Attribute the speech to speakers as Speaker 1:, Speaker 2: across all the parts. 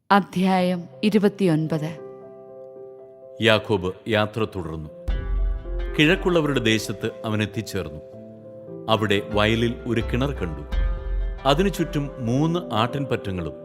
Speaker 1: അധ്യായം 29.
Speaker 2: യാക്കോബ് യാത്ര തുടർന്നു. കിഴക്കുള്ളവരുടെ ദേശത്ത് അവൻ എത്തിച്ചേർന്നു. അവിടെ വയലിൽ ഒരു കിണർ കണ്ടു. അതിനു ചുറ്റും 3 ആട്ടിൻപറ്റങ്ങളും.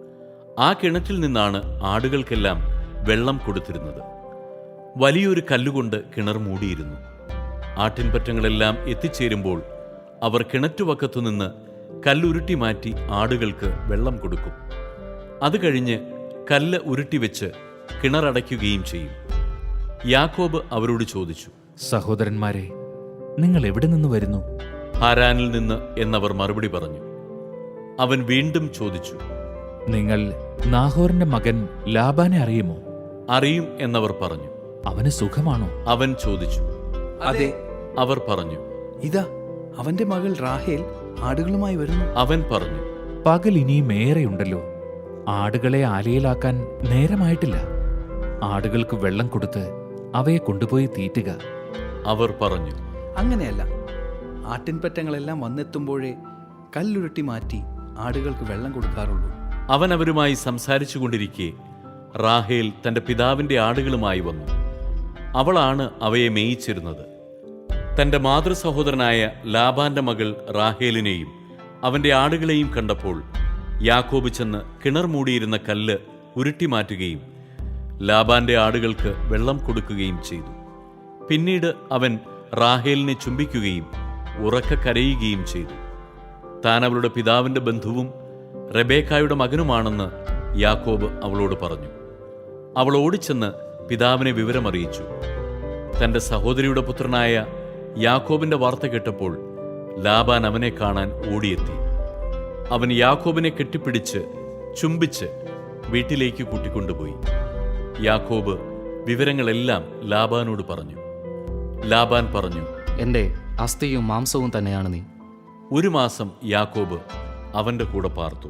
Speaker 2: ആ കിണറ്റിൽ നിന്നാണ് ആടുകൾക്കെല്ലാം വെള്ളം കൊടുത്തിരുന്നത്. വലിയൊരു കല്ലുകൊണ്ട് കിണർ മൂടിയിരുന്നു. ആട്ടിൻപറ്റങ്ങളെല്ലാം എത്തിച്ചേരുമ്പോൾ അവർ കിണറ്റുവക്കത്തുനിന്ന് കല്ലുരുട്ടി മാറ്റി ആടുകൾക്ക് വെള്ളം കൊടുക്കും. അത് കഴിഞ്ഞ് കല്ല് ഉരുട്ടിവെച്ച് കിണറടയ്ക്കുകയും ചെയ്യും. യാക്കോബ് അവരോട് ചോദിച്ചു,
Speaker 3: സഹോദരന്മാരെ, നിങ്ങൾ എവിടെ നിന്ന് വരുന്നു?
Speaker 2: ഹാരാനിൽ നിന്ന് എന്നവർ മറുപടി പറഞ്ഞു. അവൻ വീണ്ടും ചോദിച്ചു,
Speaker 3: നിങ്ങൾ നാഹോറിന്റെ മകൻ ലാബാനെ അറിയുമോ?
Speaker 2: അറിയും എന്നവർ പറഞ്ഞു.
Speaker 3: അവന് സുഖമാണോ?
Speaker 2: അവൻ ചോദിച്ചു.
Speaker 4: അതെ,
Speaker 2: അവർ പറഞ്ഞു.
Speaker 4: ഇതാ അവന്റെ മകൾ റാഹേൽ ആടുകളുമായി വരുന്നു.
Speaker 2: അവൻ പറഞ്ഞു,
Speaker 3: പകൽ ഇനിയും ഏറെയുണ്ടല്ലോ. ആടുകളെ ആലയിലാക്കാൻ നേരമായിട്ടില്ല. ആടുകൾക്ക് വെള്ളം കൊടുത്ത് അവയെ കൊണ്ടുപോയി തീറ്റുക.
Speaker 2: അവർ പറഞ്ഞു.
Speaker 4: അങ്ങനെയല്ല, ആട്ടിൻപറ്റങ്ങളെല്ലാം വന്നെത്തുമ്പോഴേ കല്ലുരുട്ടി മാറ്റി ആടുകൾക്ക് വെള്ളം കൊടുക്കാറുള്ളൂ.
Speaker 2: അവൻ അവരുമായി സംസാരിച്ചു കൊണ്ടിരിക്കെ റാഹേൽ തന്റെ പിതാവിന്റെ ആടുകളുമായി വന്നു. അവളാണ് അവയെ മേയിച്ചിരുന്നത്. തന്റെ മാതൃസഹോദരനായ ലാബാന്റെ മകൾ റാഹേലിനെയും അവന്റെ ആടുകളെയും കണ്ടപ്പോൾ യാക്കോബ് ചെന്ന് കിണർ മൂടിയിരുന്ന കല്ല് ഉരുട്ടി മാറ്റുകയും ലാബാന്റെ ആടുകൾക്ക് വെള്ളം കൊടുക്കുകയും ചെയ്തു. പിന്നീട് അവൻ റാഹേലിനെ ചുംബിക്കുകയും ഉറക്കെ കരയുകയും ചെയ്തു. താൻ അവളുടെ പിതാവിന്റെ ബന്ധുവും റെബേക്കായുടെ മകനുമാണെന്ന് യാക്കോബ് അവളോട് പറഞ്ഞു. അവൾ ഓടിച്ചെന്ന് പിതാവിനെ വിവരമറിയിച്ചു. തന്റെ സഹോദരിയുടെ പുത്രനായ യാക്കോബിന്റെ വാർത്ത കേട്ടപ്പോൾ ലാബാൻ അവനെ കാണാൻ ഓടിയെത്തി. അവൻ യാക്കോബിനെ കെട്ടിപ്പിടിച്ച് ചുംബിച്ച് വീട്ടിലേക്ക് കൂട്ടിക്കൊണ്ടുപോയി. യാക്കോബ് വിവരങ്ങളെല്ലാം ലാബാനോട് പറഞ്ഞു. ലാബാൻ പറഞ്ഞു,
Speaker 5: എൻ്റെ അസ്ഥിയും മാംസവും തന്നെയാണ് നീ.
Speaker 2: 1 മാസം യാക്കോബ് അവന്റെ കൂടെ പാർത്തു.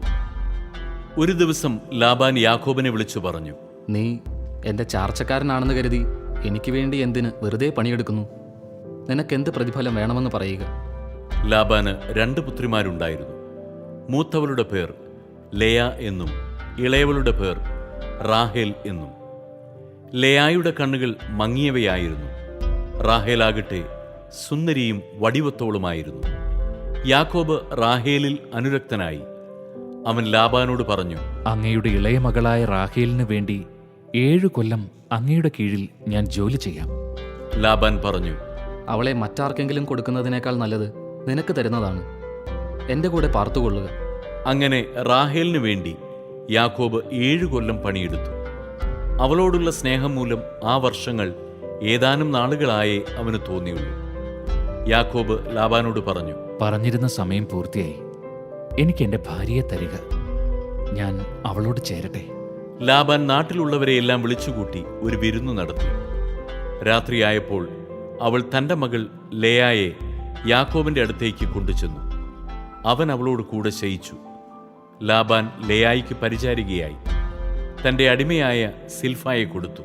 Speaker 2: ഒരു ദിവസം ലാബാൻ യാക്കോബിനെ വിളിച്ചു പറഞ്ഞു,
Speaker 5: നീ എൻ്റെ ചാർച്ചക്കാരനാണെന്ന് കരുതി എനിക്ക് വേണ്ടി എന്തിന് വെറുതെ പണിയെടുക്കുന്നു? നിനക്കെന്ത് പ്രതിഫലം വേണമെന്ന് പറയുക.
Speaker 2: ലാബാന് 2 പുത്രിമാരുണ്ടായിരുന്നു. മൂത്തവളുടെ പേർ ലേയ എന്നും ഇളയവളുടെ പേർ റാഹേൽ എന്നും. ലേയായുടെ കണ്ണുകൾ മങ്ങിയവയായിരുന്നു. റാഹേലാകട്ടെ സുന്ദരിയും വടിവത്തോളുമായിരുന്നു. യാക്കോബ് റാഹേലിൽ അനുരക്തനായി. അവൻ ലാബാനോട് പറഞ്ഞു,
Speaker 3: അങ്ങയുടെ ഇളയ മകളായ റാഹേലിന് വേണ്ടി 7 കൊല്ലം അങ്ങയുടെ കീഴിൽ ഞാൻ ജോലി ചെയ്യാം.
Speaker 2: ലാബാൻ പറഞ്ഞു,
Speaker 5: അവളെ മറ്റാർക്കെങ്കിലും കൊടുക്കുന്നതിനേക്കാൾ നല്ലത് നിനക്ക് തരുന്നതാണ്. എൻ്റെ കൂടെ പാർത്തുകൊള്ളുക.
Speaker 2: അങ്ങനെ റാഹേലിനു വേണ്ടി യാക്കോബ് 7 കൊല്ലം പണിയെടുത്തു. അവളോടുള്ള സ്നേഹം മൂലം ആ വർഷങ്ങൾ ഏതാനും നാളുകളായേ അവന് തോന്നിയുള്ളൂ. യാക്കോബ് ലാബാനോട് പറഞ്ഞു,
Speaker 3: പറഞ്ഞിരുന്ന സമയം പൂർത്തിയായി. എനിക്ക് എൻ്റെ ഭാര്യയെ തരിക. ഞാൻ അവളോട് ചേരട്ടെ.
Speaker 2: ലാബാൻ നാട്ടിലുള്ളവരെയെല്ലാം വിളിച്ചുകൂട്ടി ഒരു വിരുന്നു നടത്തി. രാത്രിയായപ്പോൾ അവൾ തന്റെ മകൾ ലേയായെ യാക്കോബിന്റെ അടുത്തേക്ക് കൊണ്ടുചെന്നു. അവൻ അവളോട് കൂടെ ശയിച്ചു. ലാബാൻ ലേയായിക്ക് പരിചാരികയായി തന്റെ അടിമയായ സിൽഫായെ കൊടുത്തു.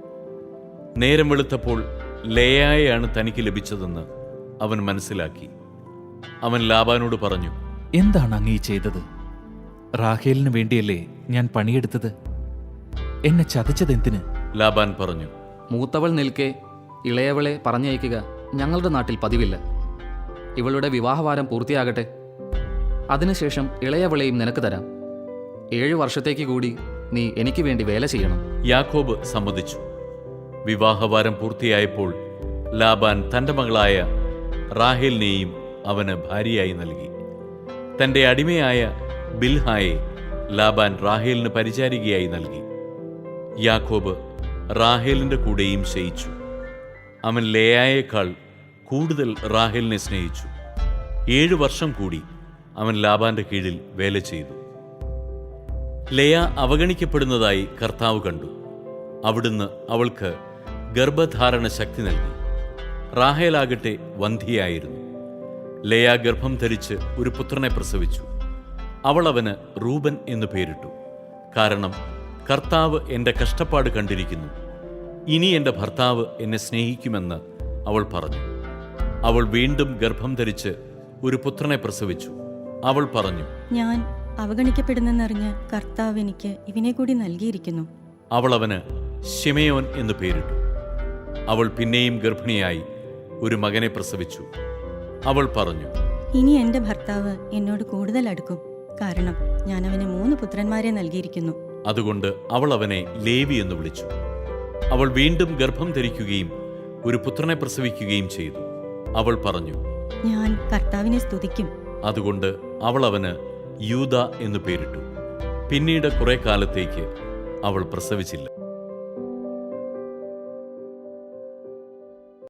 Speaker 2: നേരം വെളുത്തപ്പോൾ ലേയായെയാണ് തനിക്ക് ലഭിച്ചതെന്ന് അവൻ മനസ്സിലാക്കി. അവൻ ലാബാനോട് പറഞ്ഞു,
Speaker 3: എന്താണ് അങ്ങ് ഈ ചെയ്തത്? റാഹേലിന് വേണ്ടിയല്ലേ ഞാൻ പണിയെടുത്തത്? എന്നെ ചതിച്ചതെന്തിന്?
Speaker 2: ലാബാൻ പറഞ്ഞു,
Speaker 5: മൂത്തവൾ നിൽക്കെ ഇളയവളെ പറഞ്ഞയക്കുക ഞങ്ങളുടെ നാട്ടിൽ പതിവില്ല. ഇവളുടെ വിവാഹവാരം പൂർത്തിയാകട്ടെ. അതിനുശേഷം ഇളയവളെയും നിനക്ക് തരാം. 7 വർഷത്തേക്ക് കൂടി നീ എനിക്ക് വേണ്ടി വേല ചെയ്യണം.
Speaker 2: യാക്കോബ് സമ്മതിച്ചു. വിവാഹവാരം പൂർത്തിയായപ്പോൾ ലാബാൻ തന്റെ മകളായ റാഹേലിനെയും അവന് ഭാര്യയായി നൽകി. തന്റെ അടിമയായ ബിൽഹായെ ലാബാൻ റാഹേലിന് പരിചാരികയായി നൽകി. യാക്കോബ് റാഹേലിന്റെ കൂടെയും ശയിച്ചു. അവൻ ലേയായേക്കാൾ കൂടുതൽ റാഹേലിനെ സ്നേഹിച്ചു. 7 വർഷം കൂടി അവൻ ലാബാന്റെ കീഴിൽ വേല ചെയ്തു. ലേയ അവഗണിക്കപ്പെടുന്നതായി കർത്താവ് കണ്ടു. അവിടുന്ന് അവൾക്ക് ഗർഭധാരണ ശക്തി നൽകി. റാഹേലാകട്ടെ വന്ധിയായിരുന്നു. ലേയ ഗർഭം ധരിച്ച് ഒരു പുത്രനെ പ്രസവിച്ചു. അവൾ അവന് റൂബൻ എന്നു പേരിട്ടു. കാരണം കർത്താവ് എൻ്റെ കഷ്ടപ്പാട് കണ്ടിരിക്കുന്നു. ഇനി എൻ്റെ ഭർത്താവ് എന്നെ സ്നേഹിക്കുമെന്ന് അവൾ പറഞ്ഞു. അവൾ വീണ്ടും ഗർഭം ധരിച്ച് ഒരു പുത്രനെ പ്രസവിച്ചു. അവൾ പറഞ്ഞു,
Speaker 6: ഞാൻ അവഗണിക്കപ്പെടുന്നെന്നറിഞ്ഞ് കർത്താവ് എനിക്ക് ഇവനെ കൂടി നൽകിയിരിക്കുന്നു.
Speaker 2: അവൾ അവന് ശിമയോൻ എന്നു പേരിട്ടു. അവൾ പിന്നെയും ഗർഭിണിയായി ഒരു മകനെ പ്രസവിച്ചു. അവൾ പറഞ്ഞു,
Speaker 6: ഇനി എൻ്റെ ഭർത്താവ് എന്നോട് കൂടുതൽ അടുക്കും, കാരണം ഞാൻ അവന് 3 പുത്രന്മാരെ നൽകിയിരിക്കുന്നു.
Speaker 2: അതുകൊണ്ട് അവൾ അവനെ ലേവി എന്ന് വിളിച്ചു. അവൾ വീണ്ടും ഗർഭം ധരിക്കുകയും ഒരു പുത്രനെ പ്രസവിക്കുകയും ചെയ്തു. അവൾ പറഞ്ഞു,
Speaker 6: ഞാൻ കർത്താവിനെ സ്തുതിക്കും.
Speaker 2: അതുകൊണ്ട് അവൾ അവന് യൂദ എന്നു പേരിട്ടു. പിന്നീട് കുറെ കാലത്തേക്ക് അവൾ പ്രസവിച്ചില്ല.